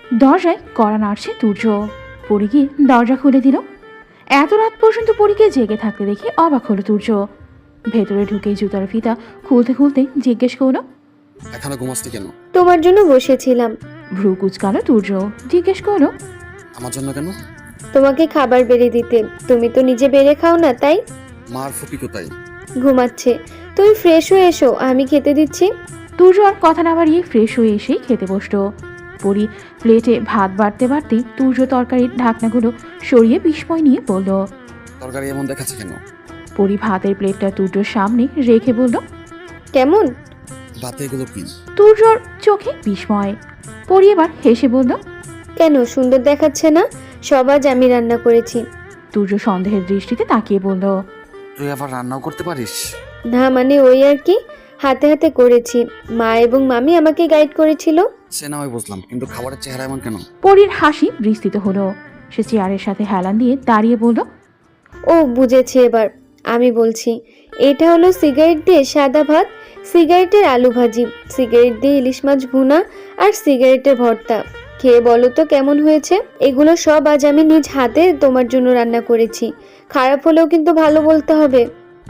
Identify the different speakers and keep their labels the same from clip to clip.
Speaker 1: দরজায় কড়া নাড়ছে তুর্য। পরি গিয়ে দরজা খুলে দিল। এত রাত পর্যন্ত পরীকে জেগে থাকতে দেখে অবাক হলো তুর্য। ভেতরে ঢুকে জুতার ফিতা খুলতে খুলতে জিজ্ঞেস করলো,
Speaker 2: এখনো ঘুমাসনি কেন?
Speaker 3: তোমার জন্য বসেছিলাম।
Speaker 1: ভ্রু কুচকালো তুর্য। জিজ্ঞেস করলো,
Speaker 2: আমার জন্য কেন?
Speaker 3: তোমাকে খাবার বেড়ে দিতে। তুমি তো নিজে বেড়ে খাও না, তাই?
Speaker 2: মার ফুপি কোথায়?
Speaker 3: ঘুমাচ্ছে। তুমি ফ্রেশ হয়ে এসো, আমি খেতে দিচ্ছি।
Speaker 1: তুর্য আর কথা না বাড়িয়ে ফ্রেশ হয়ে এসেই খেতে বসলো। পরি প্লেটে ভাত বাড়তে বাড়তে তুর্য তরকারির ঢাকনাগুলো সরিয়ে বিস্ময় নিয়ে বলল।
Speaker 2: তরকারি এমন দেখাচ্ছে কেন?
Speaker 1: পরি ভাতের প্লেটটা তুর্যর সামনে রেখে বলল,
Speaker 3: কেমন?
Speaker 2: ভাতে এগুলো কি?
Speaker 1: তুর্যর চোখে বিস্ময়। পরি এবার হেসে বলল,
Speaker 3: কেন সুন্দর দেখাচ্ছে না? সব আজ আমি রান্না করেছি।
Speaker 1: তুর্য সন্দেহের দৃষ্টিতে তাকিয়ে বলল,
Speaker 2: তুই আবার রান্নাও করতে পারিস?
Speaker 3: না মানে ওই আর কি, হাতে হাতে করেছি। মা এবং মামি আমাকে গাইড করেছিল।
Speaker 2: সে না হয় বুঝলাম, কিন্তু খাবারের চেহারা এমন কেন?
Speaker 1: পরির হাসি বিস্তৃত হলো। সে চেয়ারের সাথে হেলান দিয়ে দাঁড়িয়ে বলল,
Speaker 3: ও বুঝেছি এবার। আমি বলছি, এটা হলো সিগারেট দিয়ে সাদা ভাত, সিগারেটের আলু ভাজি, সিগারেট দিয়ে ইলিশ মাছ ভুনা আর সিগারেটের ভর্তা। খেয়ে বলো তো কেমন হয়েছে? এগুলো সব আজ আমি নিজ হাতে তোমার জন্য রান্না করেছি। খারাপ হলেও কিন্তু ভালো বলতে হবে।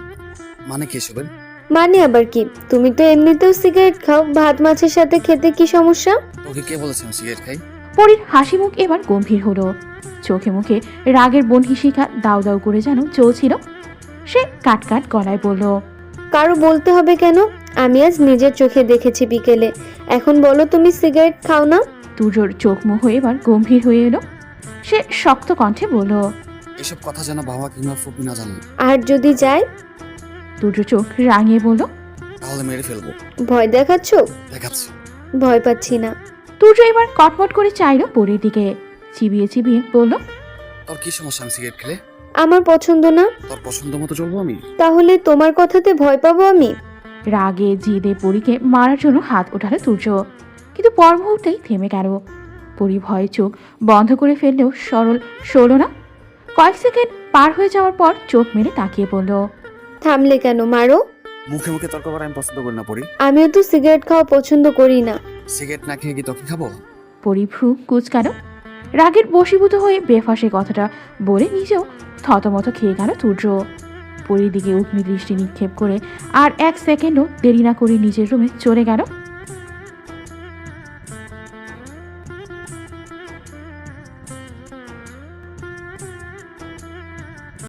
Speaker 2: মানে কি এসবের?
Speaker 3: মানে আবার কি? তুমি তো এমনিতেও সিগারেট খাও, ভাত মাছের সাথে খেতে কি সমস্যা?
Speaker 2: তোকে কে বলেছে আমি সিগারেট খাই?
Speaker 1: পরির হাসি মুখ এবার গম্ভীর হলো। চোখে মুখে রাগের বনহিসিকা দাউ দাউ করে যেন চলছিল। সে কাট গলায় বলল,
Speaker 3: কারো বলতে হবে কেন? আমি আজ নিজের চোখে দেখেছি বিকেলে। এখন বলো তুমি সিগারেট খাও না?
Speaker 1: তুর্যর চোখ মুখ এবার গম্ভীর হয়ে এলো। সে শক্ত কণ্ঠে বলল,
Speaker 2: এসব কথা যেন বাবা কিংবা ফুপি না জানেন।
Speaker 3: আর যদি যাই?
Speaker 1: তুর্য চোখ রাঙিয়ে বলল,
Speaker 2: তাহলে মেরে ফেলবো।
Speaker 3: ভয় দেখাচ্ছ?
Speaker 2: দেখাচ্ছি।
Speaker 3: ভয় পাচ্ছি না।
Speaker 1: তুর্য এবার কটমট করে চাইল পরির দিকে। চিবিয়ে চিবিয়ে বলল,
Speaker 2: তোর কি সমস্যা আমি সিগারেট খেলে?
Speaker 3: আমার পছন্দ না।
Speaker 2: তোর পছন্দ মতো চলবো আমি?
Speaker 3: তাহলে তোমার কথাতে ভয় পাবো আমি?
Speaker 1: রাগে জিদে পরীকে মারার জন্য হাত ওঠালো তুর্য। কিন্তু পর মুহূর্তেই থেমে গেল। পরি ভয়ে চোখ বন্ধ করে ফেললেও সরল না। কয়েক সেকেন্ড পার হয়ে যাওয়ার পর চোখ মেলে তাকিয়ে বলল,
Speaker 3: থামলে কেন? মারো।
Speaker 2: মুখে মুখে তর্ক করা আমি পছন্দ করি না পরি।
Speaker 3: আমিও তো সিগারেট খাওয়া পছন্দ করি না।
Speaker 2: সিগারেট না খেয়ে কি তোকে খাবো?
Speaker 1: পরি ভ্রু কুচকানো। রাগের বশীভূত হয়ে বেফাসে কথাটা বলে নিজেও থতমত খেয়ে গেল তুর্য। পরির দিকে উগ্নি দৃষ্টি নিক্ষেপ করে আর এক সেকেন্ডও দেরি না করে নিজের রুমে চলে গেল।